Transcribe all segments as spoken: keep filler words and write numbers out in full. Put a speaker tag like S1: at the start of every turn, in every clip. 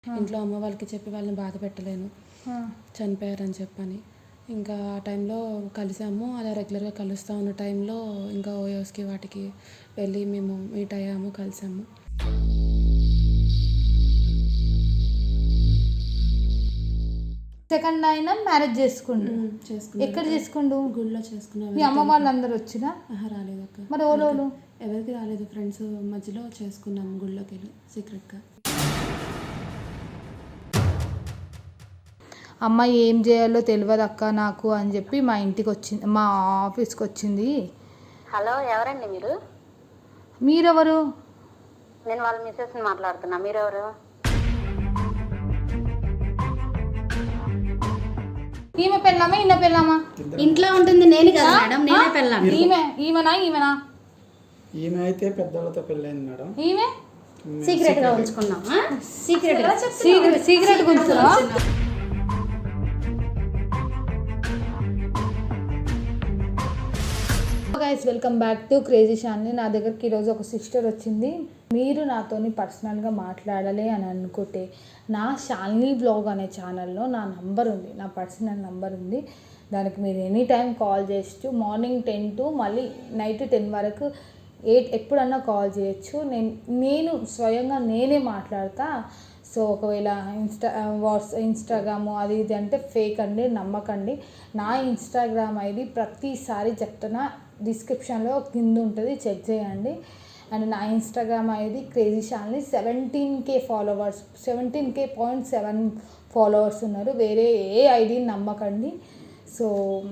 S1: ఇంట్లో అమ్మ వాళ్ళకి చెప్పి వాళ్ళని బాధ పెట్టలేను, చనిపోయారని చెప్పని. ఇంకా ఆ టైంలో కలిసాము. అలా రెగ్యులర్గా కలుస్తూ ఉన్న టైంలో ఇంకా ఓయోస్కి వాటికి వెళ్ళి మేము మీట్ అయ్యాము, కలిసాము.
S2: సెకండ్ అయినా మ్యారేజ్ చేసుకుండు. ఎక్కడ చేసుకుండు?
S1: గుళ్ళో చేసుకున్నాం.
S2: మీ అమ్మ వాళ్ళందరూ వచ్చినా?
S1: రాలేదు అక్క.
S2: మరి ఓలోలు
S1: ఎవరికి రాలేదు. ఫ్రెండ్స్ మధ్యలో చేసుకున్నాం గుళ్ళోకి వెళ్ళి సీక్రెట్గా.
S2: అమ్మ ఏం చేయాలో తెలియదు అక్క నాకు అని చెప్పి మా ఇంటికి వచ్చింది, మా ఆఫీస్కి వచ్చింది.
S3: హలో, ఎవరండి మీరు?
S2: మీరెవరు?
S3: నేను వాళ్ళ మిస్సెస్ని మాట్లాడుతున్నా. మీరెవరు?
S2: ఈమె పెళ్ళామా ఈయన పెళ్ళామా?
S3: ఇంట్లో ఉంటుంది నేను కదా మేడం, నేనే పెళ్ళాను.
S2: ఈమె ఈమెనా ఈమెనా?
S4: ఈమె అయితే పెద్దవాళ్ళతో పెళ్ళైంది మేడం.
S2: ఈమె
S3: సీక్రెట్ గా ఉంచుకున్నాం. సీక్రెట్
S2: సీక్రెట్ సీక్రెట్ గురించి guys, welcome back to crazy Shalini. నా దగ్గరికి ఈరోజు ఒక సిస్టర్ వచ్చింది. మీరు నాతోని పర్సనల్గా మాట్లాడాలి అని అనుకుంటే నా షాలిని బ్లాగ్ అనే ఛానల్లో నా నంబర్ ఉంది, నా పర్సనల్ నంబర్ ఉంది. దానికి మీరు ఎనీ టైం కాల్ చేయొచ్చు. మార్నింగ్ టెన్ టు మళ్ళీ నైట్ టెన్ వరకు ఎయిట్ ఎప్పుడన్నా కాల్ చేయొచ్చు. నేను నేను స్వయంగా నేనే మాట్లాడతా. సో ఒకవేళ ఇన్స్టా వాట్స్ ఇన్స్టాగ్రాము అది ఇది అంటే ఫేక్ అండి, నమ్మకండి. నా ఇన్స్టాగ్రామ్ ఐడి ప్రతిసారి చెప్తున్నా, డిస్క్రిప్షన్లో కింద ఉంటుంది, చెక్ చేయండి. అండ్ నా Instagram ID crazy Shalini. Seventeen K followers, seventeen K point seven followers ఉన్నారు. వేరే ఏ ఐడిని నమ్మకండి. సో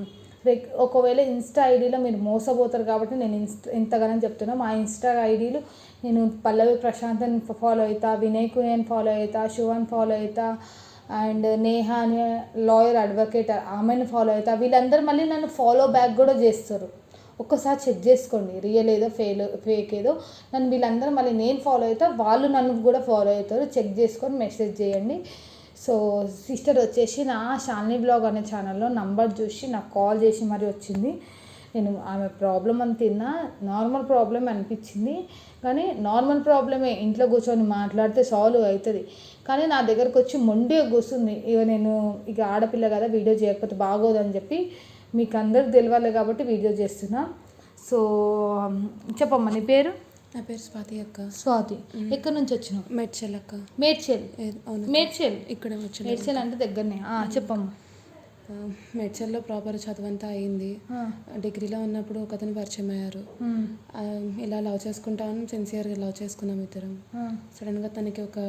S2: ఒకవేళ ఇన్స్టా ఐడీలో మీరు మోసపోతారు కాబట్టి నేను ఇన్స్టా ఇంతగానో చెప్తున్నా. మా ఇన్స్టా ఐడీలు నేను పల్లవి ప్రశాంత్ ఫాలో అవుతా, వినయ్ కుయన్ ఫాలో అవుతా, శివన్ ఫాలో అవుతా, అండ్ నేహా అనే లాయర్ అడ్వకేట్ ఆమెను ఫాలో అవుతా. వీళ్ళందరూ మళ్ళీ నన్ను ఫాలో బ్యాక్ కూడా చేస్తారు. ఒక్కసారి చెక్ చేసుకోండి, రియల్ ఏదో ఫెయిల్ ఫేక్ ఏదో. నన్ను వీళ్ళందరూ మళ్ళీ నేను ఫాలో అవుతా, వాళ్ళు నన్ను కూడా ఫాలో అవుతారు. చెక్ చేసుకొని మెసేజ్ చేయండి. సో సిస్టర్ వచ్చేసి నా షాలిని బ్లాగ్ అనే ఛానల్లో నంబర్ చూసి నాకు కాల్ చేసి మరీ వచ్చింది. నేను ఆమె ప్రాబ్లం అని తిన్నా, నార్మల్ ప్రాబ్లం అనిపించింది. కానీ నార్మల్ ప్రాబ్లమే, ఇంట్లో కూర్చొని మాట్లాడితే సాల్వ్ అవుతుంది. కానీ నా దగ్గరకు వచ్చి మొండిగా కూర్చుంది. ఇక నేను ఇక ఆడపిల్ల కదా, వీడియో చేయకపోతే బాగోదని చెప్పి మీకు అందరికి తెలియాలి కాబట్టి వీడియో చేస్తున్నా. సో చెప్పమ్మా, నీ పేరు?
S1: నా పేరు స్వాతి అక్క.
S2: స్వాతి, ఎక్కడి నుంచి వచ్చినావు?
S1: మేడ్చల్ అక్క.
S2: మేడ్చల్? మేడ్చల్
S1: ఇక్కడ మేడ్చల్.
S2: మేడ్చల్ అంటే దగ్గరనే. చెప్పమ్మా.
S1: మేడ్చల్లో ప్రాపర్ చదువంతా అయింది. డిగ్రీలో ఉన్నప్పుడు ఒక అతను పరిచయం అయ్యారు. ఇలా లవ్ చేసుకుంటామని సిన్సియర్గా లవ్ చేసుకున్నాం ఇద్దరం. సడన్గా తనకి ఒక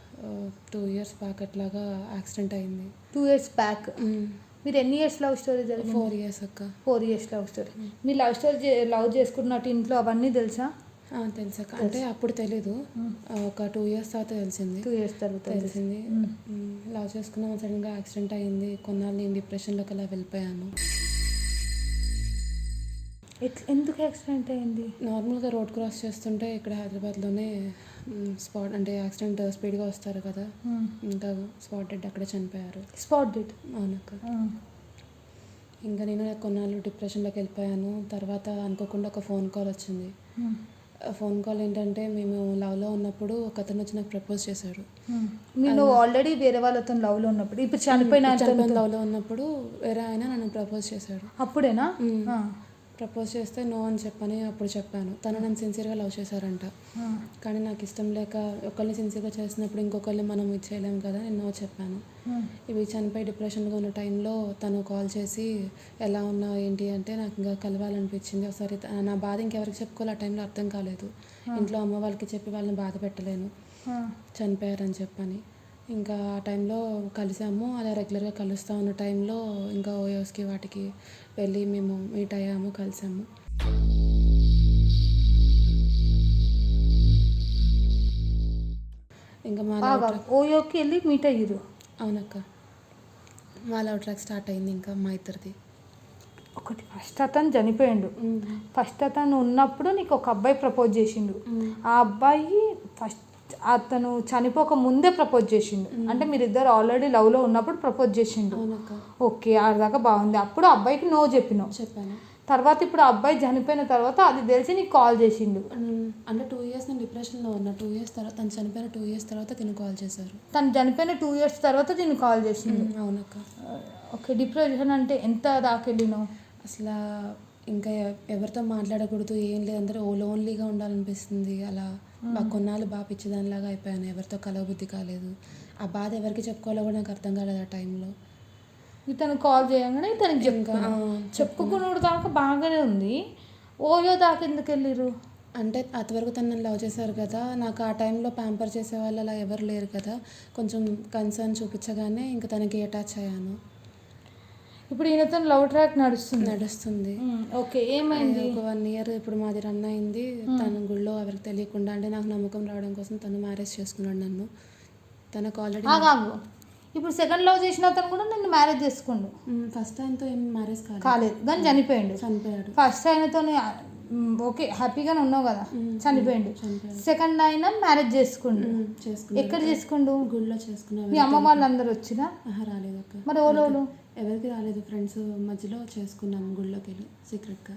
S1: టూ ఇయర్స్ బ్యాక్ అట్లాగా యాక్సిడెంట్ అయింది.
S2: టూ ఇయర్స్ బ్యాక్ మీరు ఎన్ని ఇయర్స్ లవ్ స్టోరీ జరిగింది?
S1: ఫోర్ ఇయర్స్ అక్క.
S2: Four years love story. మీరు లవ్ స్టోరీ లవ్ చేసుకున్నట్టు ఇంట్లో అవన్నీ తెలుసా?
S1: తెలుసా? అంటే అప్పుడు తెలీదు, ఒక టూ ఇయర్స్ తర్వాత తెలిసింది.
S2: టూ ఇయర్స్ తర్వాత
S1: తెలిసింది. లవ్ చేసుకున్నాం, సడన్గా యాక్సిడెంట్ అయింది. కొన్నాళ్ళు నేను డిప్రెషన్లోకి అలా వెళ్ళిపోయాను.
S2: ఎందుకు యాక్సిడెంట్ అయింది?
S1: నార్మల్గా రోడ్ క్రాస్ చేస్తుంటే ఇక్కడ హైదరాబాద్లోనే స్పాట్ అంటే యాక్సిడెంట్ స్పీడ్గా వస్తారు కదా, ఇంకా స్పాట్ డెడ్ అక్కడే చనిపోయారు.
S2: Spot dead?
S1: అవునక్క. ఇంకా నేను కొన్నాళ్ళు డిప్రెషన్లోకి వెళ్ళిపోయాను. తర్వాత అనుకోకుండా ఒక ఫోన్ కాల్ వచ్చింది. ఫోన్ కాల్ ఏంటంటే, మేము లవ్లో ఉన్నప్పుడు ఒక అతను వచ్చి నాకు ప్రపోజ్ చేశాడు.
S2: నేను ఆల్రెడీ వేరే వాళ్ళతో లవ్లో ఉన్నప్పుడు, ఇప్పుడు చనిపోయిన
S1: లవ్లో ఉన్నప్పుడు వేరే ఆయన నన్ను ప్రపోజ్ చేశాడు.
S2: అప్పుడేనా?
S1: ప్రపోజ్ చేస్తే నో అని చెప్పని అప్పుడు చెప్పాను. తను నన్ను సిన్సియర్గా లవ్ చేశారంట. కానీ నాకు ఇష్టం లేక, ఒకరిని సిన్సియర్గా చేసినప్పుడు ఇంకొకరిని మనం ఇచ్చేయలేము కదా, నేను నో చెప్పాను. ఇవి చనిపోయి డిప్రెషన్గా ఉన్న టైంలో తను కాల్ చేసి ఎలా ఉన్నావు ఏంటి అంటే, నాకు ఇంకా కలవాలనిపించింది ఒకసారి. నా బాధ ఇంకెవరికి చెప్పుకోవాలి ఆ టైంలో అర్థం కాలేదు. ఇంట్లో అమ్మ వాళ్ళకి చెప్పి వాళ్ళని బాధ పెట్టలేను, చనిపోయారని చెప్పని. ఇంకా ఆ టైంలో కలిసాము. అలా రెగ్యులర్గా కలుస్తూ ఉన్న టైంలో ఇంకా ఓయోస్కి వాటికి వెళ్ళి మేము మీట్ అయ్యాము, కలిసాము. ఇంకా మా
S2: ఓయోకి వెళ్ళి మీట్ అయ్యారు?
S1: అవునక్క. మా లవ్ ట్రాక్ స్టార్ట్ అయింది ఇంకా మా ఇద్దరిది.
S2: ఒకటి, ఫస్ట్ అతను చనిపోయిండు. ఫస్ట్ అతను ఉన్నప్పుడు నీకు ఒక అబ్బాయి ప్రపోజ్ చేసిండు. ఆ అబ్బాయి ఫస్ట్ అతను చనిపోక ముందే ప్రపోజ్ చేసిండు. అంటే మీరిద్దరు ఆల్రెడీ లవ్లో ఉన్నప్పుడు ప్రపోజ్ చేసిండు. ఓకే, ఆడదాకా బాగుంది. అప్పుడు అబ్బాయికి నో చెప్పినావు.
S1: చెప్పాను.
S2: తర్వాత ఇప్పుడు ఆ అబ్బాయి చనిపోయిన తర్వాత అది తెలిసి నీకు కాల్ చేసిండు.
S1: ఉమ్, అంటే టూ ఇయర్స్ నేను డిప్రెషన్లో ఉన్నా. టూ ఇయర్స్ తర్వాత తను చనిపోయిన టూ ఇయర్స్ తర్వాత తిను కాల్ చేశారు.
S2: తను చనిపోయిన టూ ఇయర్స్ తర్వాత నేను కాల్ చేసిండు.
S1: ఉమ్, అవునక్క.
S2: ఓకే, డిప్రెషన్ అంటే ఎంత దాకెళ్ళినావు?
S1: అసలు ఇంకా ఎ- ఎవరితో మాట్లాడకూడదు, ఏం లేదు, అందరూ ఓ లోన్లీగా ఉండాలనిపిస్తుంది. అలా బాగా కొన్నాళ్ళు బాగా పిచ్చిదానిలాగా అయిపోయాను. ఎవరితో కలవబుద్ధి కాలేదు. ఆ బాధ ఎవరికి చెప్పుకోవాలో కూడా నాకు అర్థం కాలేదు ఆ టైంలో.
S2: ఇతను కాల్ చేయగానే ఇతనికి
S1: ఇంకా
S2: చెప్పుకున్నా
S1: ఆ,
S2: చెప్పుకున్నాడు దాకా బాగానే ఉంది. ఓయో దాకా ఎందుకు వెళ్ళిర్రు?
S1: అంటే అంతవరకు తను నన్ను లవ్ చేశారు కదా, నాకు ఆ టైంలో ప్యాంపర్ చేసే వాళ్ళు అలా ఎవరు లేరు కదా, కొంచెం కన్సర్న్ చూపించగానే ఇంకా తనకి అటాచ్ అయ్యాను.
S2: ఇప్పుడు ఈయనతో లవ్ ట్రాక్ నడుస్తుంది.
S1: నడుస్తుంది.
S2: ఉమ్, ఓకే, ఏమైంది?
S1: ఒక వన్ ఇయర్ ఇప్పుడు మాది రన్ అయింది. తన గుళ్ళో ఎవరికి తెలియకుండా, అంటే నాకు నమ్మకం రావడం కోసం తను మ్యారేజ్ చేసుకున్నాడు నన్ను. తనకు ఆల్రెడీ
S2: ఆగాగు. ఇప్పుడు సెకండ్ లవ్ చేసిన అతను కూడా నిన్ను మ్యారేజ్ చేసుకుండు.
S1: ఫస్ట్ ఆయనతో ఏం మ్యారేజ్ కాలేదు,
S2: కాలేదు కానీ చనిపోయిండు.
S1: చనిపోయాడు.
S2: ఫస్ట్ ఆయనతో ఓకే హ్యాపీగానే ఉన్నావు కదా, చనిపోయిండు.
S1: చనిపోయాడు.
S2: సెకండ్ ఆయన మ్యారేజ్ చేసుకుండు.
S1: ఉమ్, చేసుకున్నాడు.
S2: ఎక్కడ చేసుకుండు?
S1: గుళ్ళో చేసుకున్నాడు.
S2: మీ అమ్మ వాళ్ళందరూ వచ్చినా?
S1: ఆహా, రాలేదు అక్క.
S2: మరి ఓలోలు
S1: ఎవరికి రాలేదు. ఫ్రెండ్స్ మధ్యలో చేసుకున్నాము గుళ్ళోకి వెళ్ళి సీక్రెట్గా.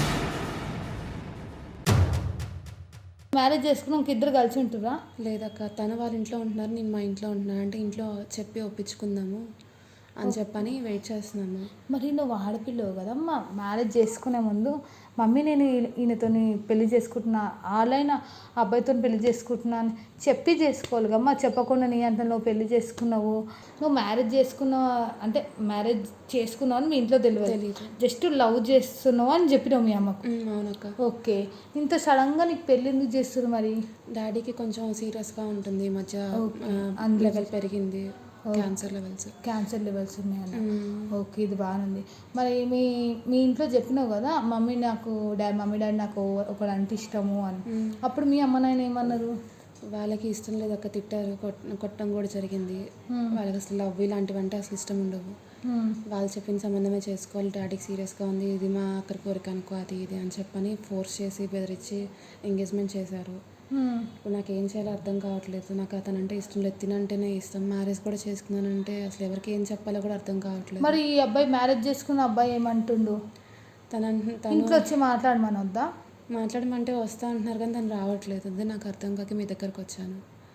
S2: మ్యారేజ్ చేసుకున్నాక ఇద్దరు కలిసి ఉంటురా?
S1: లేదక్క, తన వాళ్ళ ఇంట్లో ఉంటున్నారు, నేను మా ఇంట్లో ఉంటున్నాను. అంటే ఇంట్లో చెప్పి ఒప్పించుకుందాము అని చెప్పని వెయిట్ చేస్తున్నాము.
S2: మరి నువ్వు ఆడపిల్లవు కదా, మా మ్యారేజ్ చేసుకునే ముందు మమ్మీ నేను ఈ- ఈయనతోని పెళ్లి చేసుకుంటున్నా, ఆలైన అబ్బాయితో పెళ్లి చేసుకుంటున్నా అని చెప్పి చేసుకోవాలి కమ్మా. చెప్పకుండా నీ అంత నువ్వు పెళ్లి చేసుకున్నావు, నువ్వు మ్యారేజ్ చేసుకున్నావు అంటే మ్యారేజ్ చేసుకున్నావు అని మీ ఇంట్లో తెలియదు,
S1: తెలీదు.
S2: జస్ట్ లవ్ చేస్తున్నావు అని చెప్పినావు మీ అమ్మకు.
S1: ఉమ్, అవునక్క.
S2: ఓకే, ఇంత సడన్గా నీకు పెళ్ళి ఎందుకు చేస్తారు మరి?
S1: డాడీకి కొంచెం సీరియస్గా ఉంటుంది ఈ మధ్య.
S2: అందులో
S1: లెవెల్ పెరిగింది, క్యాన్సర్ లెవెల్స్.
S2: క్యాన్సర్ లెవెల్స్ ఉన్నాయన్న. ఓకే, ఇది బాగుంది. మరి మీ మీ ఇంట్లో చెప్పినావు కదా మమ్మీ నాకు డాడీ మమ్మీ డాడీ నాకు ఒకడు అంటే ఇష్టము అని, అప్పుడు మీ అమ్మ నాయన ఏమన్నారు?
S1: వాళ్ళకి ఇష్టం లేదు అక్క, తిట్టారు, కొట్- కొట్టడం కూడా జరిగింది. వాళ్ళకి అసలు లవ్ ఇలాంటివి అంటే అసలు ఇష్టం ఉండవు. వాళ్ళు చెప్పిన సంబంధమే చేసుకోవాలి, డాడీకి సీరియస్గా ఉంది, ఇది మా అక్కడి కోరిక అనుకో, అది ఇది అని చెప్పని ఫోర్స్ చేసి బెదిరించి ఎంగేజ్మెంట్ చేశారు. ఇప్పుడు నాకు ఏం చేయాలో అర్థం కావట్లేదు. నాకు అతనంటే ఇష్టం లేదు, తినంటేనే ఇష్టం. మ్యారేజ్ కూడా చేసుకున్నానంటే అసలు ఎవరికి ఏం చెప్పాలో కూడా అర్థం కావట్లేదు.
S2: మరి ఈ అబ్బాయి మ్యారేజ్ చేసుకున్న అబ్బాయి ఏమంటుండు?
S1: తన తను
S2: ఇంట్లో వచ్చి మాట్లాడమని వద్దా?
S1: మాట్లాడమంటే వస్తా అంటున్నారు కానీ తను రావట్లేదు. అదే నాకు అర్థం కాక మీ దగ్గరకు వచ్చాను.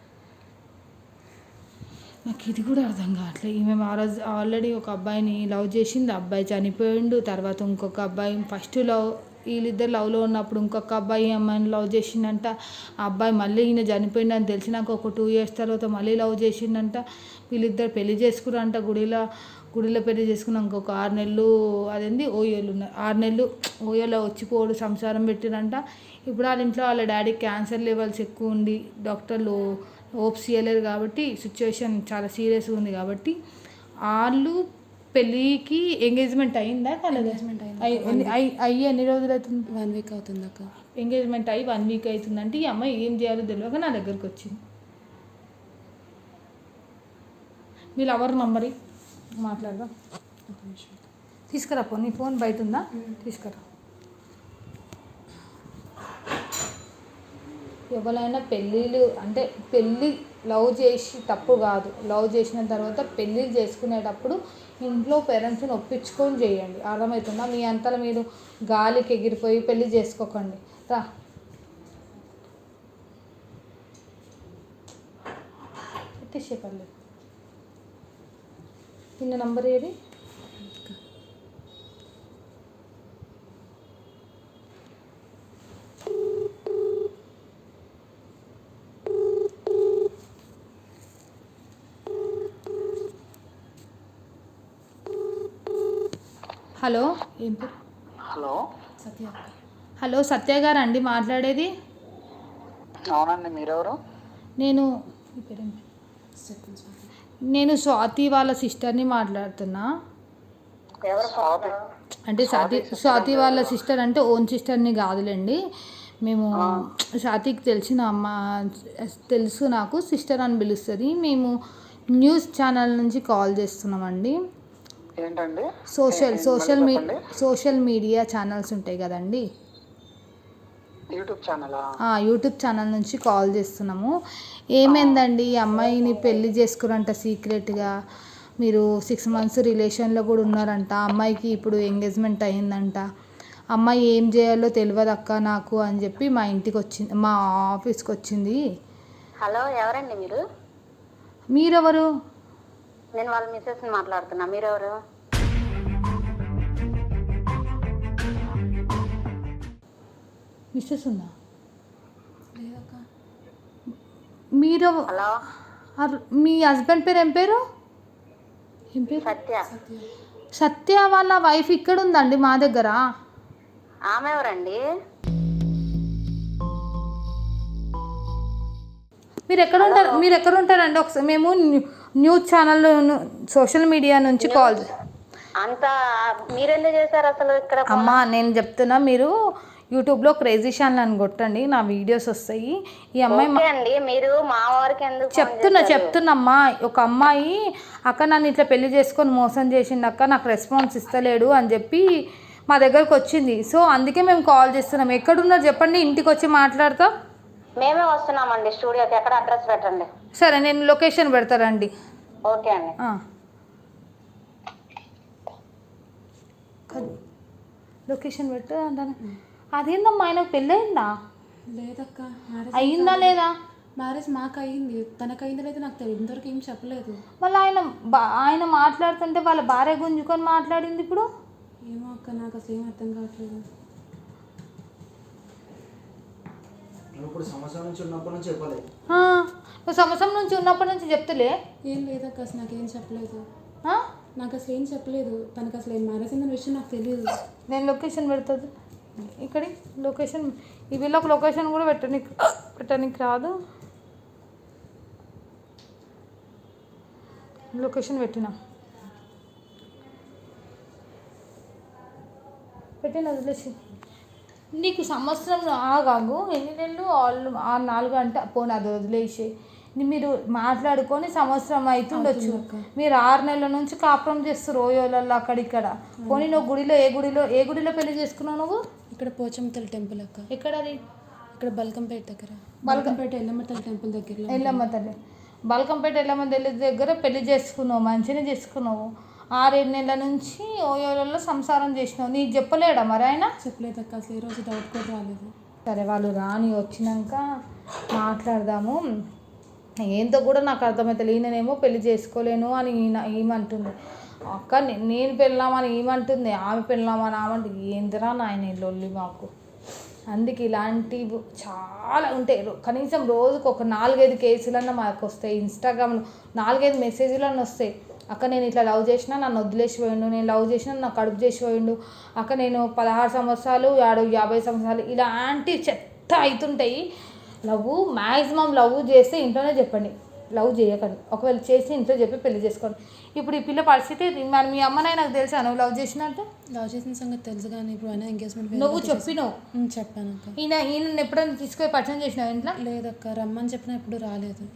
S2: నాకు ఇది కూడా అర్థం కావట్లేదు. ఈమె ఆ రోజు ఆల్రెడీ ఒక అబ్బాయిని లవ్ చేసింది, అబ్బాయి చనిపోయిండు. తర్వాత ఇంకొక అబ్బాయి ఫస్ట్ లవ్ వీళ్ళిద్దరు లవ్లో ఉన్నప్పుడు ఇంకొక అబ్బాయి అమ్మాయిని లవ్ చేసిండంట. ఆ అబ్బాయి మళ్ళీ ఈయన చనిపోయిందని తెలిసినాక ఒక టూ ఇయర్స్ తర్వాత మళ్ళీ లవ్ చేసిండంట. వీళ్ళిద్దరు పెళ్లి చేసుకున్నారంట గుడిలో. గుడిలో పెళ్లి చేసుకున్నాక ఒక ఆరు నెలలు అదేంది ఓయోలు ఉన్నారు, ఆరు నెలలు ఓయోలో వచ్చిపోడు సంసారం పెట్టిరంట. ఇప్పుడు వాళ్ళ ఇంట్లో వాళ్ళ డాడీ క్యాన్సర్ లెవెల్స్ ఎక్కువ ఉండి డాక్టర్లు హోప్స్ ఇవ్వలేరు కాబట్టి సిచ్యువేషన్ చాలా సీరియస్గా ఉంది కాబట్టి వాళ్ళు పెళ్ళికి ఎంగేజ్మెంట్ అయిందా కాలేదా?
S1: ఎంగేజ్మెంట్ అయింది.
S2: అయ్యి ఎన్ని- అయ్యి అయ్యి ఎన్ని రోజులు అవుతుంది?
S1: వన్ వీక్ అవుతుంది అక్క.
S2: ఎంగేజ్మెంట్ అయ్యి వన్ వీక్ అవుతుందంటే ఈ అమ్మాయి ఏం చేయాలో తెలియక నా దగ్గరకు వచ్చింది. మీ లవర్ నంబర్ మాట్లాడదా?
S1: ఒక నిమిషం.
S2: తీసుకురా పో, నీ ఫోన్ బయట ఉందా? తీసుకురా. ఎవరైనా పెళ్ళిళ్ళు అంటే పెళ్ళి లవ్ చేసి తప్పు కాదు, లవ్ చేసిన తర్వాత పెళ్ళిళ్ళు చేసుకునేటప్పుడు ఇంట్లో పేరెంట్స్ని ఒప్పించుకొని చేయండి. అర్థమవుతుందా? మీ అంతలో మీరు గాలికి ఎగిరిపోయి పెళ్ళి చేసుకోకండి. రా, పెట్టేసే పర్లేదు. నిన్న నంబర్ ఏది? హలో,
S1: ఏం పేరు?
S4: హలో,
S1: సత్య అక్క.
S2: హలో సత్య గారు అండి మాట్లాడేది?
S4: అవునండి, మీరెవరు?
S2: నేను మీ పేరేం పేరు?
S1: చెప్పండి స్వాతి.
S2: నేను స్వాతి వాళ్ళ సిస్టర్ని మాట్లాడుతున్నా.
S3: ఎవరు
S4: స్వాతి.
S2: అంటే స్వాతి స్వాతి వాళ్ళ సిస్టర్ అంటే ఓన్ సిస్టర్ని కాదులేండి. మేము స్వాతికి తెలిసిన అమ్మ తెలుసు, నాకు సిస్టర్ అని పిలుస్తుంది. మేము న్యూస్ ఛానల్ నుంచి కాల్ చేస్తున్నామండి.
S4: ఏంటండి?
S2: సోషల్
S4: ఏ-
S2: సోషల్
S4: మళ్ళీ
S2: మీ
S4: చెప్పండి.
S2: సోషల్ మీడియా ఛానల్స్ ఉంటాయి కదండి,
S4: యూట్యూబ్ ఛానలా?
S2: ఆ యూట్యూబ్ ఛానల్ నుంచి కాల్ చేస్తున్నాము. ఏమైందండి ఈ అమ్మాయిని పెళ్లి చేసుకురంట సీక్రెట్గా, మీరు సిక్స్ మంత్స్ రిలేషన్లో కూడా ఉన్నారంట, అమ్మాయికి ఇప్పుడు ఎంగేజ్మెంట్ అయిందంట. అమ్మాయి ఏం చేయాలో తెలియదు అక్క నాకు అని చెప్పి మా ఇంటికి వచ్చింది, మా ఆఫీస్కి వచ్చింది.
S3: హలో, ఎవరండి మీరు?
S2: మీరెవరు?
S3: నేను వాళ్ళ మిస్సెస్ మాట్లాడుతున్నా. మీరెవరు?
S2: మిస్సెస్ ఉందా?
S1: లేదక్క.
S2: మీరు
S3: హలో,
S2: అర్- మీ హస్బెండ్ పేరు ఏం పేరు? ఏం పేరు?
S3: సత్య.
S2: సత్య వాళ్ళ వైఫ్ ఇక్కడ ఉందండి మా దగ్గర.
S3: ఆమె ఎవరండి?
S2: మీరు ఎక్కడ ఉంటారు? మీరు ఎక్కడ ఉంటారండి? ఒకసారి మేము new- news channel social media నుంచి కాల్.
S3: అంతా మీరెందుకు చేశారు అసలు ఇక్కడ?
S2: అమ్మా నేను చెప్తున్నా, మీరు యూట్యూబ్లో క్రేజీ ఛానల్ అని కొట్టండి, నా వీడియోస్ వస్తాయి. ఈ అమ్మాయి మా-
S3: ఓకే అండి, మీరు మా వారికి ఎందుకు ఫోన్
S2: చెప్తున్నా
S3: చేశారు?
S2: చెప్తున్నమ్మా ఒక అమ్మాయి అక్క నన్ను ఇట్లా పెళ్లి చేసుకొని మోసం చేసిండు అక్క, నాకు రెస్పాన్స్ ఇస్తలేడు అని చెప్పి మా దగ్గరకు వచ్చింది. సో అందుకే మేము కాల్ చేస్తున్నాం. ఎక్కడున్నారు చెప్పండి, ఇంటికి వచ్చి మాట్లాడతాం.
S3: మేమే వస్తున్నామండి స్టూడియోకి. ఎక్కడ అడ్రస్ పెట్టండి.
S2: సరే నేను లొకేషన్ పెడతారండి.
S3: ఓకే అండి.
S2: ఆ. కద్- లొకేషన్ పెట్టు అంటాను. అదేందమ్మా ఆయనకు పెళ్ళయిందా?
S1: లేదక్క. మ్యారేజ్
S2: అయిందా లేదా?
S1: మ్యారేజ్ మాకు అయ్యింది, తనకు అయిందో లేదో నాకు తెలియదు, ఇంతవరకు ఏం చెప్పలేదు.
S2: మళ్ళీ ఆయన బా- ఆయన మాట్లాడుతుంటే వాళ్ళ భార్య గుంజుకొని మాట్లాడింది ఇప్పుడు.
S1: ఏమో అక్క, నాకు అసలు ఏం అర్థం కావట్లేదు.
S5: ఇప్పుడు సంవత్సరం నుంచి ఉన్నప్పటి నుంచి చెప్పలేదు.
S2: ఆ, నువ్వు సంవత్సరం నుంచి ఉన్నప్పటి నుంచి చెప్తలే.
S1: ఏం లేదక్క, అసలు నాకేం చెప్పలేదు.
S2: ఆ?
S1: నాకు అసలు ఏం చెప్పలేదు. తనకు అసలు ఏం మ్యారేజ్ అయిందన్న విషయం నాకు తెలియదు.
S2: నేను లొకేషన్ పెడుతుంది ఇక్కడి లొకేషన్. ఈ వీళ్ళకి లొకేషన్ కూడా పెట్టడానికి పెట్టడానికి రాదు. లొకేషన్ పెట్టినా పెట్టిన వదిలేసి. నీకు సంవత్సరం ఆగాగు, ఎన్ని నెలలు ఆళ్ళు ఆ నాలుగు అంటే పోనీ అది వదిలేసి మీరు మాట్లాడుకొని సంవత్సరం అవుతుండొచ్చు. మీరు ఆరు నెలల నుంచి కాపురం చేస్తారు ఓయోలలో అక్కడిక్కడ. పోనీ నువ్వు గుడిలో ఏ గుడిలో ఏ గుడిలో పెళ్లి చేసుకున్నావు నువ్వు?
S1: ఇక్కడ పోచంతల టెంపుల్ అక్క,
S2: ఎక్కడది?
S1: ఇక్కడ బల్కంపేట దగ్గర. బల్కంపేట ఎల్లమ్మ తల్లి టెంపుల్ దగ్గరలో.
S2: ఎల్లమ్మ తల్లి బల్కంపేట ఎల్లమ్మ తల్లి దగ్గర పెళ్లి చేసుకున్నావు, మంచిగా చేసుకున్నావు. ఆరేడు నెలల నుంచి ఓయోలలో సంసారం చేసినావు. నీకు చెప్పలేడా మరి ఆయన?
S1: చెప్పలేదు అక్క, అసలు ఏ రోజు డౌట్ కూడా రాలేదు.
S2: సరే వాళ్ళు రాని వచ్చినాక మాట్లాడదాము. ఏంతో కూడా నాకు అర్థమవుతుంది. ఈయననేమో పెళ్లి చేసుకోలేను అని ఈయన ఏమంటుంది. అక్క నే- నేను పెళ్ళామని ఏమంటుంది, ఆమె పెళ్ళామని ఆమంటుంది. ఏందిరా నాయన లొల్లి మాకు. అందుకే ఇలాంటివి చాలా ఉంటాయి. రో- కనీసం రోజుకు ఒక నాలుగైదు కేసులన్నా మాకు వస్తాయి. ఇన్స్టాగ్రామ్లో నాలుగైదు మెసేజ్లన్నీ వస్తాయి. అక్క నేను ఇట్లా లవ్ చేసినా నన్ను వదిలేసి పోయిండు, నేను లవ్ చేసినా నాకు కడుపు చేసి పోయిండు, అక్క నేను పదహారు సంవత్సరాలు ఆడు యాభై సంవత్సరాలు, ఇలాంటి చెత్త అవుతుంటాయి. లవ్ మ్యాక్సిమం లవ్ చేస్తే ఇంట్లోనే చెప్పండి, లవ్ చేయకండి. ఒకవేళ చేసి ఇంట్లో చెప్పి పెళ్లి చేసుకోండి. ఇప్పుడు ఈ పిల్ల పరిస్థితి మరి మీ అమ్మనే నాకు తెలుసా నువ్వు లవ్ చేసినట్టు?
S1: లవ్ చేసిన సంగతి తెలుసు కానీ ఇప్పుడు అయినా ఎంగేజ్మెంట్
S2: నువ్వు చెప్పినావు.
S1: చెప్పాను అక్క.
S2: ఈయన ఈయన ఎప్పుడైనా తీసుకొని పరిచయం చేసినావు ఇంట్లో?
S1: లేదక్క, రమ్మని చెప్పినా ఎప్పుడు రాలేదు.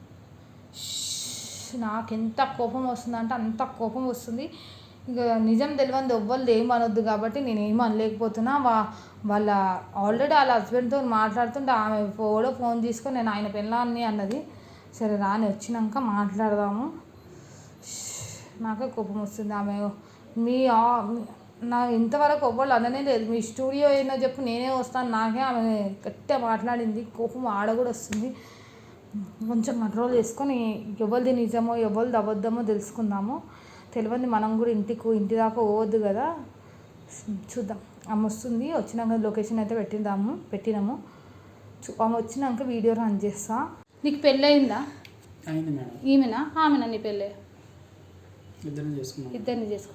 S2: నాకు ఎంత కోపం వస్తుందంటే అంత కోపం వస్తుంది. ఇక నిజం తెలియదు ఎవ్వరు ఏమనొద్దు కాబట్టి నేను ఏం అనలేకపోతున్నా. వా వాళ్ళ ఆల్రెడీ వాళ్ళ హస్బెండ్తో మాట్లాడుతుంటే ఆమె కూడా ఫోన్ తీసుకొని నేను ఆయన పెళ్ళాన్ని అన్నది. సరే రాని వచ్చినాక మాట్లాడదాము. నాకే కోపం వస్తుంది. ఆమె మీ ఆ- నా ఇంతవరకు ఎవ్వరు అననే లేదు. మీ స్టూడియో ఏందో చెప్పు నేనే వస్తాను, నాకే ఆమె గట్టిగా మాట్లాడింది. కోపం ఆడ కూడా వస్తుంది. కొంచెం కంట్రోల్ చేసుకొని ఎవరిది నిజమో ఎవరిది అబద్ధమో తెలుసుకుందాము. తెలియదు మనం కూడా ఇంటికి ఇంటి దాకా పోవద్దు కదా. చూద్దాం. ఆమె వస్తుంది, వచ్చినాక లొకేషన్ అయితే పెట్టిద్దాము పెట్టినాము. చూ ఆమె వచ్చినాక వీడియో రన్ చేస్తా. నీకు పెళ్ళి అయిందా?
S5: అయింది మేడం.
S2: ఈమెనా ఆమెనా నీ పెళ్ళి?
S5: ఇద్దరిని చేసుకున్నాం.
S2: ఇద్దరిని చేసుకో.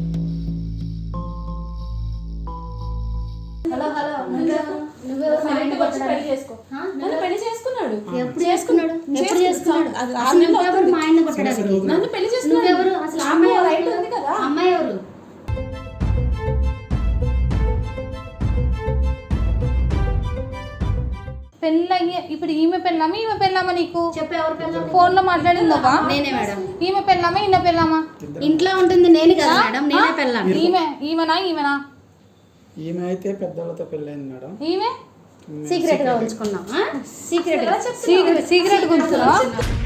S6: హలో హలో నువ్వు మా ఇంటికి వచ్చి పెళ్లి చేసుకో.
S1: నన్ను పెళ్లి చేసుకున్నాడు.
S6: ఎప్పుడు చేసుకున్నాడు? ఎప్పుడు చేసుకున్నాడు? అసలు నువ్వెవరు మా ఆయన కొట్టడానికి?
S1: నన్ను పెళ్లి చేసుకున్నాడు.
S6: నువ్వెవరు? అసలు అమ్మాయి
S1: రైట్
S6: ఎవరు?
S1: ఉంది కదా.
S6: అమ్మాయి ఎవరు?
S2: పెళ్ళి అయ్యే ఇప్పుడు ఈమె పెళ్ళామా ఈమె పెళ్ళామా నీకు?
S6: చెప్పు ఎవరు పెళ్ళాం?
S2: ఫోన్లో మాట్లాడిందోవా?
S6: నేనే మేడం.
S2: ఈమె పెళ్ళామా ఈయన పెళ్ళామా?
S6: ఇంట్లో ఉంటుంది నేను కదా మేడం, నేనే పెళ్ళాం.
S2: ఈమె ఈమెనా ఈమెనా?
S5: ఈమె అయితే పెద్దవాళ్ళతో పెళ్ళైంది మేడం.
S2: ఈమె
S6: సీక్రెట్ గా ఉంచుకున్నాం. సీక్రెట్ గా
S2: సీక్రెట్ సీక్రెట్ గుంచురా.